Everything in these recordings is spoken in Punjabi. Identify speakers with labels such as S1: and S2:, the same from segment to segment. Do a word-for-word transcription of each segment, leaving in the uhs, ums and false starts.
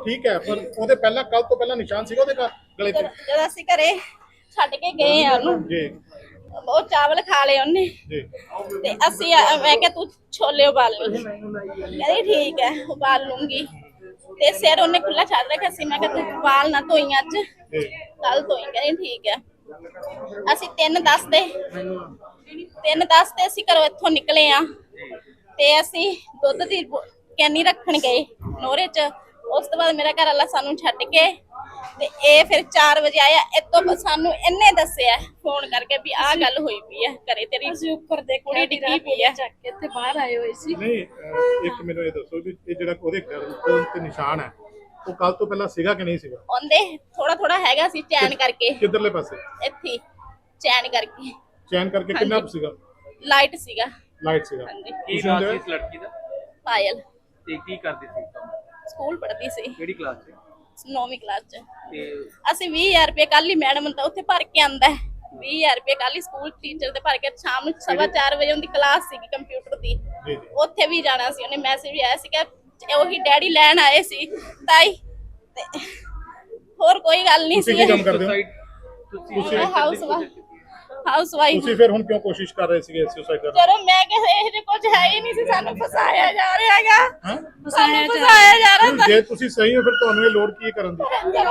S1: ठीक है पर ਉਹਦੇ ਪਹਿਲਾਂ ਕੱਲ ਤੋਂ ਪਹਿਲਾਂ ਨਿਸ਼ਾਨ ਸੀਗਾ ਉਹਦੇ ਗਲੇ ਤੇ
S2: जब ਅਸੀਂ ਘਰੇ ਛੱਡ ਕੇ ਗਏ ਆ ਉਹਨੂੰ
S1: ਜੀ
S2: ਉਹ ਚਾਵਲ ਖਾ ਲਏ ਉਹਨੇ
S1: ਜੀ
S2: ਤੇ ਅਸੀਂ ਮੈਂ ਕਿਹਾ ਤੂੰ ਛੋਲੇ ਉਬਾਲ ਲਈ ਕਹਿੰਦੀ ਠੀਕ ਹੈ ਉਬਾਲ ਲੂੰਗੀ ਤੇ ਸਿਰ ਉਹਨੇ ਖੁੱਲਾ ਛੱਡ ਰੱਖਿਆ ਸੀ ਮੈਂ ਕਿਹਾ ਤੂੰ ਉਬਾਲ ਨਾ ਧੋਈ ਅੱਜ ਕੱਲ ਧੋਈ ਕਹਿੰਦੀ ਠੀਕ ਹੈ ਅਸੀਂ ਤਿੰਨ ਦਸ ਦੇ ਤਿੰਨ ਦਸ ਤੇ ਅਸੀਂ ਘਰੋਂ ਇੱਥੋਂ ਨਿਕਲੇ ਆ ਤੇ ਅਸੀਂ ਦੁੱਧ ਦੀ ਕੈਨੀ ਰੱਖਣ ਗਏ ਨੋਰੇ ਚ ਉਸ ਤੋਂ ਬਾਅਦ ਮੇਰਾ ਘਰ ਵਾਲਾ ਸਾਨੂੰ ਛੱਡ ਕੇ ਤੇ ਇਹ ਫਿਰ ਚਾਰ ਵਜੇ ਆਇਆ ਇਤੋਂ ਸਾਨੂੰ ਇਹਨੇ ਦੱਸਿਆ ਫੋਨ ਕਰਕੇ ਵੀ ਆਹ ਗੱਲ ਹੋਈ ਪਈ ਹੈ ਘਰੇ ਤੇਰੀ
S3: ਅਸੀਂ ਉੱਪਰ ਦੇਖਿਆ
S2: ਕੁੜੀ ਡਿੱਗੀ ਪਈ ਹੈ
S3: ਚੱਕ ਕੇ ਤੇ ਬਾਹਰ ਆਏ ਹੋਏ ਸੀ
S1: ਨਹੀਂ ਅਹ ਇੱਕ ਮੈਨੂੰ ਇਹ ਦੱਸੋ ਵੀ ਇਹ ਜਿਹੜਾ ਉਹਦੇ ਗਲੇ ਤੇ ਨਿਸ਼ਾਨ ਹੈ ਉਹ ਕੱਲ ਤੋਂ ਪਹਿਲਾਂ ਸੀਗਾ ਕਿ ਨਹੀਂ ਸੀਗਾ
S2: ਉਹਦੇ ਥੋੜਾ ਥੋੜਾ ਹੈਗਾ ਸੀ ਚੈਨ ਕਰਕੇ
S1: ਕਿੱਧਰਲੇ ਪਾਸੇ
S2: ਇੱਥੇ ਚੈਨ ਕਰਕੇ
S1: ਚੈਨ ਕਰਕੇ ਕਿੰਨਾ ਕੁ ਸੀਗਾ
S2: ਲਾਈਟ ਸੀਗਾ
S1: ਲਾਈਟ ਸੀਗਾ
S2: ਹਾਂਜੀ
S4: ਕੀ ਨਾਮ ਸੀ ਇਸ ਲੜਕੀ ਦਾ
S2: ਪਾਇਲ
S4: ਤੇ ਕੀ ਕਰਦੀ ਸੀ ਕੰਮ
S2: ਸਕੂਲ ਪੜ੍ਹਦੀ ਸੀ
S4: ਕਿਹੜੀ ਕਲਾਸ 'ਚ
S2: ਨੌਵੀਂ ਕਲਾਸ ਚ
S4: ਤੇ
S2: ਅਸੀਂ ਵੀਹ ਹਜ਼ਾਰ ਰੁਪਏ ਕੱਲ ਹੀ ਮੈਡਮ ਦਾ ਉੱਥੇ ਭਰ ਕੇ ਆਂਦਾ ਵੀਹ ਹਜ਼ਾਰ ਰੁਪਏ ਕੱਲ ਹੀ ਸਕੂਲ ਟੀਚਰ ਦੇ ਭਰ ਕੇ ਸ਼ਾਮ ਨੂੰ ਸਵਾ ਚਾਰ ਵਜੇ ਉਹਦੀ ਕਲਾਸ ਸੀਗੀ ਕੰਪਿਊਟਰ ਦੀ
S1: ਜੀ ਜੀ
S2: ਉੱਥੇ ਵੀ ਜਾਣਾ ਸੀ ਉਹਨੇ ਮੈਸੇਜ ਵੀ ਆਇਆ ਸੀ ਕਿ ਉਹੀ ਡੈਡੀ ਲੈਣ ਆਏ ਸੀ ਤਾਈ ਤੇ ਹੋਰ ਕੋਈ ਗੱਲ ਨਹੀਂ
S1: ਤੁਸੀਂ
S2: ਸੀ
S1: ਕੀ ਕੰਮ ਕਰਦੇ ਹੋ
S4: ਤੁਸੀਂ
S1: ਤੁਸੀਂ
S2: ਹਾਊਸ ਹਾਊਸ ਵਾਈਫ
S1: ਤੁਸੀਂ ਫਿਰ ਹੁਣ ਕਿਉਂ ਕੋਸ਼ਿਸ਼ ਕਰ ਰਹੇ ਸੀਗੇ ਸੁਸਾਈਡ ਕਰਨ
S2: ਚਲੋ ਮੈਂ ਕਿਹਾ ਇਹ ਜੇ ਕੁਝ ਹੈ ਹੀ ਨਹੀਂ ਸੀ ਸਾਨੂੰ ਫਸਾਇਆ ਜਾ ਰਿਹਾ ਹੈਗਾ
S1: ਹਾਂ
S2: ਸਾਨੂੰ ਫਸਾਇਆ ਜਾ ਰਿਹਾ
S1: ਜੇ ਤੁਸੀਂ ਸਹੀ ਹੋ ਫਿਰ ਤੁਹਾਨੂੰ ਇਹ ਲੋੜ ਕੀ ਹੈ ਕਰਨ ਦੀ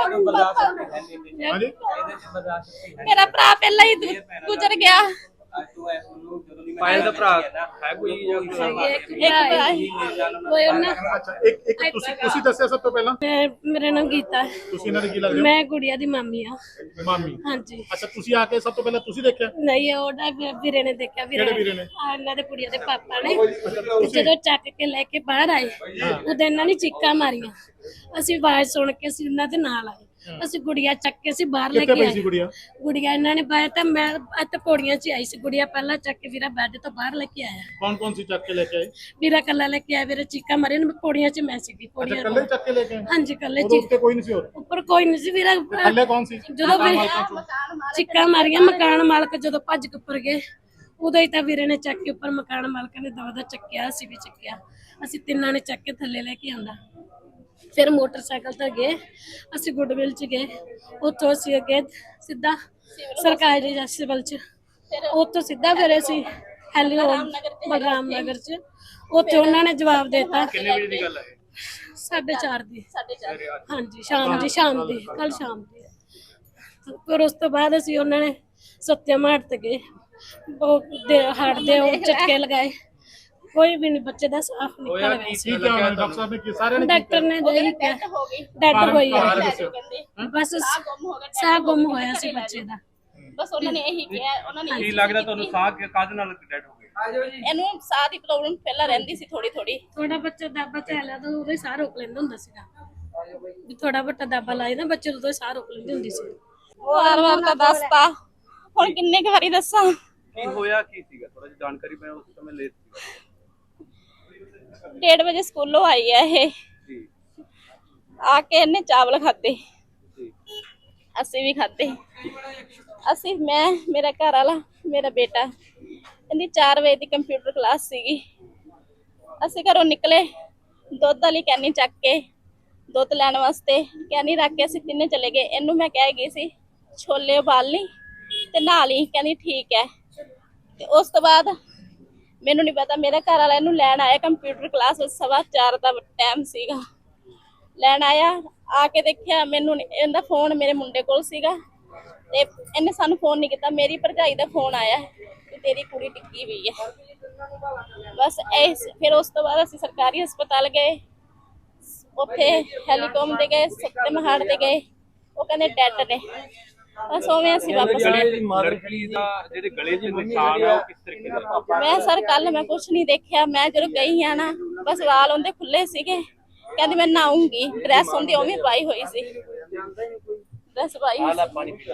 S1: ਹਾਂਜੀ
S2: ਮੇਰਾ ਭਰਾ ਪਹਿਲਾਂ ਹੀ ਗੁ- ਗੁਜ਼ਰ ਗਿਆ
S4: ਪਾਇਲ ਦਾ ਭਰਾ ਹੈ ਕੋਈ ਜਾਂ
S2: ਇੱਕ ਭਰਾ ਹੀ।
S3: ਕੋਈ ਉਹਨਾਂ
S1: ਅੱਛਾ ਇੱਕ ਇੱਕ ਤੁਸੀਂ ਤੁਸੀਂ ਦੱਸਿਆ ਸਭ ਤੋਂ ਪਹਿਲਾਂ
S3: ਮੈਂ ਮੇਰਾ ਨਾਮ ਗੀਤਾ ਹੈ।
S1: ਤੁਸੀਂ ਇਹਨਾਂ ਦੇ ਕੀ ਲੱਗਦੇ
S3: ਮੈਂ ਗੁੜੀਆ ਦੀ ਮਾਮੀ ਆ
S1: ਹੋ ਮਾਮੀ
S3: ਹਾਂਜੀ
S1: ਅੱਛਾ ਤੁਸੀਂ ਆ ਕੇ ਸਭ ਤੋਂ ਪਹਿਲਾਂ ਤੁਸੀਂ ਦੇਖਿਆ
S3: ਨਹੀਂ ਉਹਦਾ ਵੀ- ਵੀਰੇ ਨੇ ਦੇਖਿਆ
S1: ਕਿਹੜੇ ਵੀਰੇ ਨੇ?
S3: ਆ ਇਹਨਾਂ ਦੇ ਕੁੜੀਆਂ ਦੇ ਪਾਪਾ ਨੇ ਤੇ ਜਦੋਂ ਚੱਕ ਕੇ ਲੈ ਕੇ ਬਾਹਰ ਆਏ ਉਦੋਂ ਇਹਨਾਂ ਨੇ ਚੀਕਾਂ ਮਾਰੀਆਂ ਅਸੀਂ ਆਵਾਜ਼ ਸੁਣ ਕੇ ਅਸੀਂ ਉਹਨਾਂ ਦੇ ਨਾਲ ਆਏ ਅਸੀਂ ਗੁੜੀਆ ਚੱਕ ਕੇ ਅਸੀਂ ਬਾਹਰ ਲੈ
S1: ਕਿੱਥੇ
S3: ਕੇ
S1: ਪਈ
S3: ਆਏ
S1: ਸੀ ਗੁੜੀਆ
S3: ਗੁੜੀਆ ਇਹਨਾਂ ਨੇ ਬਾਹਰ ਤਾਂ ਮੈਂ ਇੱਥੇ ਪੌੜੀਆਂ 'ਚ ਹੀ ਆਈ ਸੀ ਗੁੜੀਆ ਪਹਿਲਾਂ ਚੱਕ ਕੇ ਵੀਰਾ ਬੈੱਡ ਤੋਂ ਬਾਹਰ ਲੈ ਕੇ ਆਇਆ
S1: ਕੌਣ ਕੌਣ ਸੀ ਚੱਕ ਕੇ ਲੈ ਕੇ ਆਏ
S3: ਵੀਰਾ ਕੱਲਾ ਲੈ ਕੇ ਆਇਆ ਵੀਰੇ ਚੀਕਾਂ ਮਾਰੀਆਂ ਮੈਂ ਪੌੜੀਆਂ 'ਚ ਮੈਂ ਸੀਗੀ
S1: ਅੱਛਾ
S3: ਪੌੜੀਆਂ
S1: ਕੱਲੇ ਚੱਕ ਕੇ ਲੈ ਕੇ ਆਏ
S3: ਹਾਂਜੀ ਕੱਲੇ
S1: ਉਦੋਂ
S3: ਚ
S1: ਉੱਤੇ ਕੋਈ ਨਹੀਂ ਸੀ ਹੋਰ
S3: ਉੱਪਰ ਕੋਈ ਨਹੀਂ ਸੀ ਵੀਰਾ
S1: ਥੱਲੇ ਕੌਣ ਸੀ
S3: ਜਦੋਂ ਵੀਰੇ ਚੀਕਾਂ ਮਾਰੀਆਂ ਮਕਾਨ ਮਾਲਕ ਜਦੋਂ ਭੱਜ ਕੇ ਉੱਪਰ ਗਏ ਉਦੋਂ ਹੀ ਤਾਂ ਵੀਰੇ ਨੇ ਚੱਕ ਕੇ ਉੱਪਰ ਮਕਾਨ ਮਾਲਕ ਨੇ ਦਵਾ ਚੱਕਿਆ ਅਸੀਂ ਵੀ ਚੱਕਿਆ ਅਸੀਂ ਤਿੰਨਾਂ ਨੇ ਚੱਕ ਕੇ ਥੱਲੇ ਲੈ ਕੇ ਆਂਦਾ ਫਿਰ ਮੋਟਰਸਾਈਕਲ ਤੇ ਗਏ ਅਸੀਂ ਗੁੱਡਵਿਲ ਚ ਗਏ ਉੱਥੋਂ ਅਸੀਂ ਅੱਗੇ ਸਿੱਧਾ ਸਰਕਾਰੀ ਸਿਵਲ ਚ ਉੱਥੋਂ ਸਿੱਧਾ ਫਿਰ ਅਸੀਂ ਹੈਲੀਓ ਬਗਰਾਮ ਨਗਰ ਚ ਉੱਥੇ ਉਹਨਾਂ ਨੇ ਜਵਾਬ ਦਿੱਤਾ
S4: ਕਿੰਨੇ ਵਜੇ ਦੀ ਗੱਲ ਹੈ
S3: ਸਾਢੇ ਚਾਰ ਦੀ
S2: ਸਾਡੇ ਚਾਰ
S3: ਹਾਂਜੀ ਸ਼ਾਮ ਦੀ ਸ਼ਾਮ ਦੀ ਕੱਲ ਸ਼ਾਮ ਦੀ ਫਿਰ ਉਸ ਤੋਂ ਬਾਅਦ ਅਸੀਂ ਉਹਨਾਂ ਨੇ ਸੱਤਿਆ ਮਾਰ ਤੇ ਗਏ ਉਹ ਦੇ ਹਾਰਟ ਦੇ ਉਹ ਝਟਕੇ ਲਗਾਏ ਕੋਈ ਵੀ ਨਹੀਂ ਬੱਚੇ ਦਾ ਸਾਫ
S4: ਹੋਇਆ
S3: ਨਿਕਲ
S4: ਕੀ
S3: ਗਿਆ
S4: ਸੀ
S1: ਕੀ ਕਿਹਾ ਉਹਨਾਂ ਨੇ ਡਾਕਟਰ ਸਾਹਿਬ ਨੇ ਕੀ ਸਾਰਿਆਂ ਨੇ ਕੀ
S3: ਡਾਕਟਰ ਨੇ ਦੇ
S2: ਡੈਥ ਹੋ ਗਈ
S3: ਡੈਡ ਹੋਈ ਹੈ
S1: ਕਾਰਨ ਦੱਸਿਓ।
S3: ਬਸ
S2: ਸਾਹ ਗੁੰਮ ਹੋ ਗਿਆ
S3: ਸਾਹ ਗੁੰਮ ਹੋਇਆ ਸੀ ਬੱਚੇ ਦਾ
S2: ਬਸ ਉਹਨਾਂ ਨੇ ਇਹੀ ਕਿਹਾ ਉਹਨਾਂ ਨੇ
S4: ਕੀ ਲੱਗਦਾ ਤੁਹਾਨੂੰ ਸਾਹ ਕਾਹਦੇ ਨਾਲ ਡੈਡ ਹੋ ਗਏ
S2: ਇਹਨੂੰ ਸਾਹ ਦੀ ਪ੍ਰੋਬਲਮ ਪਹਿਲਾਂ ਰਹਿੰਦੀ ਸੀ ਥੋੜੀ ਥੋੜੀ
S3: ਥੋੜਾ ਬੱਚਾ ਦਾਬਾ ਚੱਲਿਆ ਤਾਂ ਉਹਦੇ ਸਾਹ ਰੋਕ ਲੈਂਦਾ ਹੁੰਦਾ ਸੀਗਾ ਵੀ ਥੋੜਾ ਵੱਟਾ ਦਾਬਾ ਲਾਏ ਨਾ ਬੱਚੇ ਉਦੋਂ ਸਾਹ ਰੋਕ ਲੈਂਦੀ ਹੁੰਦੀ ਸੀ
S2: ਉਹ ਹਰ ਵਾਰ ਤਾਂ ਦੱਸਤਾ ਹੁਣ ਕਿੰਨੇ ਕੁ ਵਾਰੀ ਦੱਸਾਂ
S4: ਕੀ ਹੋਇਆ ਕੀ ਸੀਗਾ ਥੋੜਾ ਜਿਹਾ ਜਾਣਕਾਰੀ ਮੈਂ ਉਸ ਸਮੇਂ ਲੈ ਸੀ
S2: ਡੇਢ ਵਜੇ ਸਕੂਲੋਂ ਆਈ ਹੈ ਇਹ
S4: ਜੀ
S2: ਆ ਕੇ ਇਹਨੇ ਚਾਵਲ ਖਾਦੇ
S4: ਜੀ
S2: ਅਸੀਂ ਵੀ ਖਾਦੇ ਅਸੀਂ ਮੈਂ ਮੇਰਾ ਘਰ ਵਾਲਾ ਮੇਰਾ ਬੇਟਾ ਇਹਦੀ ਚਾਰ ਵਜੇ ਦੀ ਕੰਪਿਊਟਰ ਕਲਾਸ ਸੀਗੀ ਅਸੀਂ ਘਰੋਂ ਨਿਕਲੇ ਦੁੱਧ ਵਾਲੀ ਕੈਨੀ ਚੱਕ ਕੇ ਦੁੱਧ ਲੈਣ ਵਾਸਤੇ ਕੈਨੀ ਰੱਖ ਕੇ ਅਸੀਂ ਤਿੰਨੇ ਚਲੇ ਗਏ ਇਹਨੂੰ ਮੈਂ ਕਹਿ ਗਈ ਸੀ ਛੋਲੇ ਉਬਾਲ ਲਈ ਤੇ ਨਹਾ ਲਈ ਕਹਿੰਦੀ ਠੀਕ ਹੈ ਤੇ ਉਸ ਤੋਂ ਬਾਅਦ ਮੈਨੂੰ ਨਹੀਂ ਪਤਾ ਮੇਰਾ ਘਰ ਵਾਲਾ ਇਹਨੂੰ ਲੈਣ ਆਇਆ ਕੰਪਿਊਟਰ ਕਲਾਸ ਵਿੱਚ ਸਵਾ ਚਾਰ ਦਾ ਟਾਈਮ ਸੀਗਾ ਲੈਣ ਆਇਆ ਆ ਕੇ ਦੇਖਿਆ ਮੈਨੂੰ ਨੀ- ਇਹਦਾ ਫੋਨ ਮੇਰੇ ਮੁੰਡੇ ਕੋਲ ਸੀਗਾ ਤੇ ਇਹਨੇ ਸਾਨੂੰ ਫੋਨ ਨਹੀਂ ਕੀਤਾ ਮੇਰੀ ਭਰਜਾਈ ਦਾ ਫੋਨ ਆਇਆ ਕਿ ਤੇਰੀ ਕੁੜੀ ਟਿੱਕੀ ਹੋਈ ਹੈ ਬਸ ਇਹ ਫਿਰ ਉਸ ਤੋਂ ਬਾਅਦ ਅਸੀਂ ਸਰਕਾਰੀ ਹਸਪਤਾਲ ਗਏ ਉੱਥੇ ਹੈਲੀਕਾਮ ਤੇ ਗਏ ਸੱਤੇ ਮਹਾੜ ਤੇ ਗਏ ਉਹ ਕਹਿੰਦੇ ਡੈਡ ਨੇ ਬਸ ਉਵੇਂ ਅਸੀਂ ਵਾਪਸ ਆਏ
S4: ਲੜਕੀ ਦਾ ਜਿਹੜੇ ਗਲੇ 'ਚ ਨਿਸ਼ਾਨ ਆ ਉਹ ਕਿਸ ਤਰੀਕੇ ਨਾਲ
S2: ਮੈਂ ਸਰ ਕੱਲ ਮੈਂ ਕੁਝ ਨਹੀਂ ਦੇਖਿਆ ਮੈਂ ਜਦੋਂ ਗਈ ਆ ਨਾ ਬਸ ਵਾਲ ਉਹਦੇ ਖੁੱਲੇ ਸੀਗੇ ਕਹਿੰਦੀ ਮੈਂ ਨਹਾਉਂਗੀ ਡਰੈਸ ਉਹਦੀ ਉਵੇਂ ਪਾਈ ਹੋਈ ਸੀ ਡਰੈਸ ਪਾਈ ਹੋਈ ਸੀ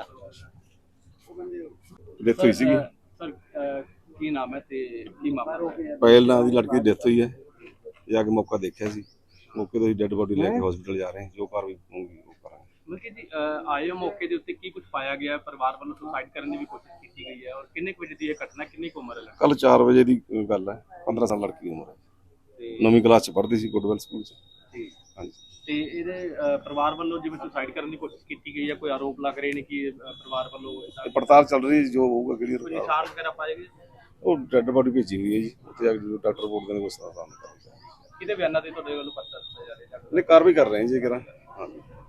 S5: ਡੈਥ ਹੋਈ ਸੀਗੀ
S4: ਸਰ ਕੀ ਨਾਮ ਹੈ ਤੇ ਕੀ ਮਾਮਲਾ ਹੈ
S5: ਪਾਇਲ ਨਾਂ ਦੀ ਲੜਕੀ ਦੀ ਡੈਥ ਹੋਈ ਹੈ ਜਾ ਕੇ ਮੌਕਾ ਦੇਖਿਆ ਸੀ ਮੌਕੇ ਤੋਂ ਹੀ ਡੈੱਡ ਬੋਡੀ ਲੈ ਕੇ ਹਸਪੀਟਲ ਜਾ ਰਹੇ ਹਾਂ ਜੋ ਕਾਰਵਾਈ ਹੋਊਗੀ ਉਹ ਕਰਾਂਗੇ
S4: ਮਲਕੀ ਜੀ ਅਹ ਆਏ ਹੋ ਮੌਕੇ ਦੇ ਉੱਤੇ ਕੀ ਕੁਝ ਪਾਇਆ ਗਿਆ ਪਰਿਵਾਰ ਵੱਲੋਂ ਸੁਸਾਈਡ ਕਰਨ ਦੀ ਵੀ ਕੋਸ਼ਿਸ਼ ਕੀਤੀ ਗਈ ਹੈ ਔਰ ਕਿੰਨੇ ਕੁ ਵਜੇ ਦੀ ਇਹ ਘਟਨਾ ਕਿੰਨੀ ਕੁ ਉਮਰ ਹੈ ਲੜਕੀ
S5: ਕੱਲ ਚਾਰ ਵਜੇ ਦੀ ਗੱਲ ਹੈ ਪੰਦਰਾਂ ਸਾਲ ਲੜਕੀ ਦੀ ਉਮਰ ਹੈ
S4: ਤੇ
S5: ਨੌਵੀਂ ਕਲਾਸ ਚ ਪੜ੍ਹਦੀ ਸੀ ਗੁੱਡਵੈਲ ਸਕੂਲ ਚ
S4: ਜੀ
S5: ਹਾਂਜੀ
S4: ਤੇ ਇਹਦੇ ਅਹ, ਪਰਿਵਾਰ ਵੱਲੋਂ ਜਿਵੇਂ ਸੁਸਾਈਡ ਕਰਨ ਦੀ ਕੋਸ਼ਿਸ਼ ਕੀਤੀ ਗਈ ਹੈ, ਕੋਈ ਆਰੋਪ ਲੱਗ ਰਹੇ ਨੇ ਕਿ ਅਹ, ਪਰਿਵਾਰ ਵੱਲੋਂ ਏਦਾਂ
S5: ਪੜਤਾਲ ਚੱਲ ਰਹੀ ਹੈ, ਜੋ ਹੋਊਗਾ
S4: ਕੋਈ
S5: ਕਲੀਅਰ
S4: ਨਿਸ਼ਾਨ ਵਗੈਰਾ ਪਾਏ ਗਏ?
S5: ਉਹ ਡੈੱਡ ਬੋਡੀ ਭੇਜੀ ਹੋਈ ਹੈ ਜੀ, ਉੱਥੇ ਜਾ ਕੇ ਜਦੋਂ ਡਾਕਟਰ ਰਿਪੋਰਟ ਦੇਣਗੇ ਉਸ ਤਰ੍ਹਾਂ ਸਾਹਮਣੇ ਕਰਾਂਗੇ।
S4: ਕਿਹਦੇ ਬਿਆਨਾਂ ਤੇ ਤੁਹਾਡੇ ਵੱਲੋਂ ਪਰਚਾ ਦਿੱਤਾ ਜਾ ਰਿਹਾ ਹੈ?
S5: ਨਹੀਂ, ਕਾਰਵਾਈ ਕਰ ਰਹੇ ਹਾਂ ਜੀ ਕਰਾਂ। ਹਾਂਜੀ।